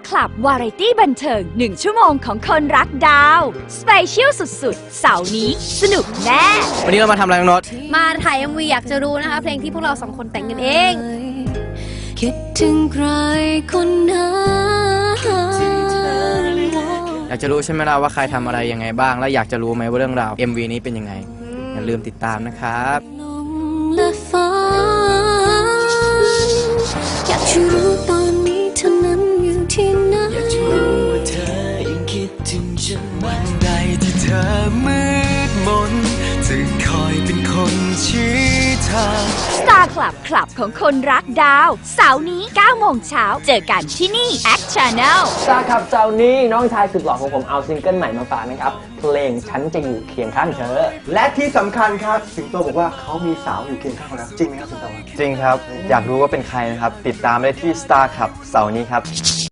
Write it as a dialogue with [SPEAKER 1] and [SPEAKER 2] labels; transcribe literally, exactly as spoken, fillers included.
[SPEAKER 1] Club วาไรตี้บันเทิงหนึ่งชั่วโมงของคนรักดาวสเปเชียลสุดๆเสาร์นี้สนุกแน่
[SPEAKER 2] วันนี้เรามาทำอะไรน้องโน้ต
[SPEAKER 3] มาถ่าย เอ็ม วี อยากจะรู้นะคะเพลงที่พวกเราสองคนแต่งกันเอง
[SPEAKER 4] คิดถึงใครคนนั้น
[SPEAKER 2] อยากจะรู้ใช่ไหมล่ะว่าใครทำอะไรยังไงบ้างและอยากจะรู้ไหมว่าเรื่องราว เอ็ม วี นี้เป็นยังไงอย่าลืมติดตามนะครับ
[SPEAKER 4] และฝันอยากจะรู้ตอนนี้เธอนั้นอยู่ที่ไหนอยากจะรู้ว่าเธอยังคิดถึงฉันวันใดที่เธอมืดมนจะคอยเป็นคนชี้ทาง
[SPEAKER 1] Star Club คลับของคนรักดาวเสาร์นี้เก้าโมงเช้าเจอกันที่นี่ Act Channel
[SPEAKER 5] Star Club เสาร์นี้น้องชายสุดหล่อของผมเอาซิงเกิลใหม่มาฝากนะครับเพลงฉันจะอยู่เคียงข้างเธอ
[SPEAKER 6] และที่สำคัญครับสิงโตบอกว่าเขามีสาวอยู่เคียงข้างเขาแล้วจริงไหมครับสิงโต
[SPEAKER 7] จริงครับอยากรู้ว่าเป็นใครนะครับติดตามได้ที่ Star Club เสาร์นี้ครับ